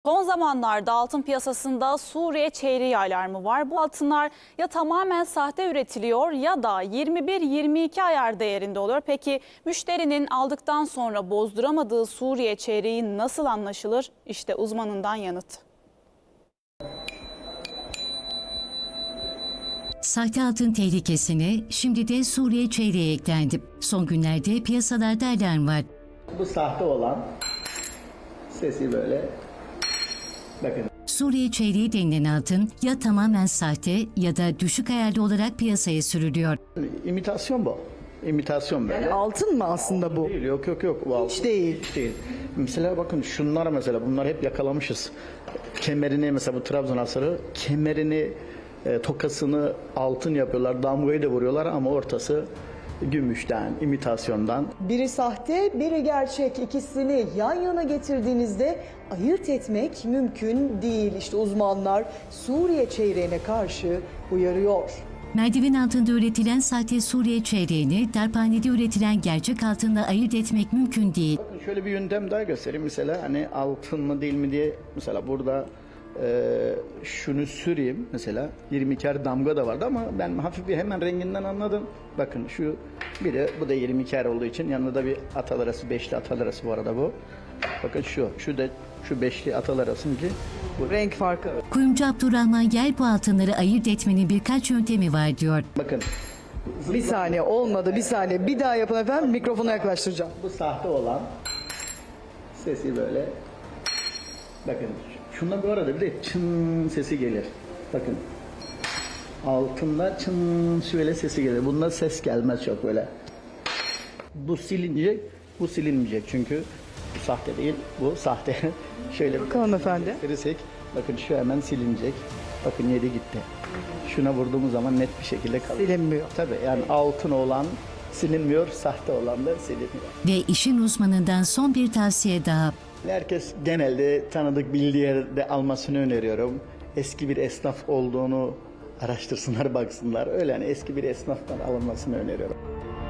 Son zamanlarda altın piyasasında Suriye çeyreği alarmı var. Bu altınlar ya tamamen sahte üretiliyor ya da 21-22 ayar değerinde oluyor. Peki müşterinin aldıktan sonra bozduramadığı Suriye çeyreği nasıl anlaşılır? İşte uzmanından yanıt. Sahte altın tehlikesine şimdi de Suriye çeyreği eklendi. Son günlerde piyasalarda alarm var. Bu sahte olan sesi böyle bakın. Suriye çeyreği denilen altın ya tamamen sahte ya da düşük ayarlı olarak piyasaya sürülüyor. İmitasyon bu. İmitasyon böyle. Yani altın mı aslında bu? Değil, yok. Bu altın. Hiç değil. Hiç değil. Mesela bakın şunlar mesela bunlar hep yakalamışız. Kemerini mesela bu Trabzon asırı kemerini tokasını altın yapıyorlar. Damgayı da vuruyorlar ama ortası gümüşten, imitasyondan. Biri sahte, biri gerçek. İkisini yan yana getirdiğinizde ayırt etmek mümkün değil. İşte uzmanlar Suriye çeyreğine karşı uyarıyor. Merdiven altında üretilen sahte Suriye çeyreğini darphanede üretilen gerçek altınla ayırt etmek mümkün değil. Bakın şöyle bir yöntem daha göstereyim. Mesela hani altın mı değil mi diye mesela burada şunu süreyim mesela 22'er damga da vardı ama ben hafif bir hemen renginden anladım. Bakın şu biri bu da 22'er olduğu için yanında da bir atal arası, beşli atal arası bu arada bu. Bakın şu da şu beşli atal arasınki bu. Renk farkı. Kuyumcu Abdurrahman Yel bu altınları ayırt etmenin birkaç yöntemi var diyor. Bakın Bir saniye olmadı, bir saniye. Bir daha yapın efendim, mikrofona yaklaştıracağım. bu sahte olan sesi böyle bakın şundan bu arada bir de çın sesi gelir. Bakın altında çın şöyle sesi gelir. Bunda ses gelmez çok böyle. Bu silinecek, bu silinmeyecek çünkü bu sahte değil, bu sahte. Şöyle Bakalım efendim. gösterirsek, bakın şu hemen silinecek. Bakın yeri gitti. Şuna vurduğumuz zaman net bir şekilde kalır. Silinmiyor. Tabii yani altın olan silinmiyor, sahte olan da siliniyor. Ve işin uzmanından son bir tavsiye daha. Herkes genelde tanıdık bildiği yerde almasını öneriyorum. Eski bir esnaf olduğunu araştırsınlar, baksınlar. Öyle yani eski bir esnaftan alınmasını öneriyorum.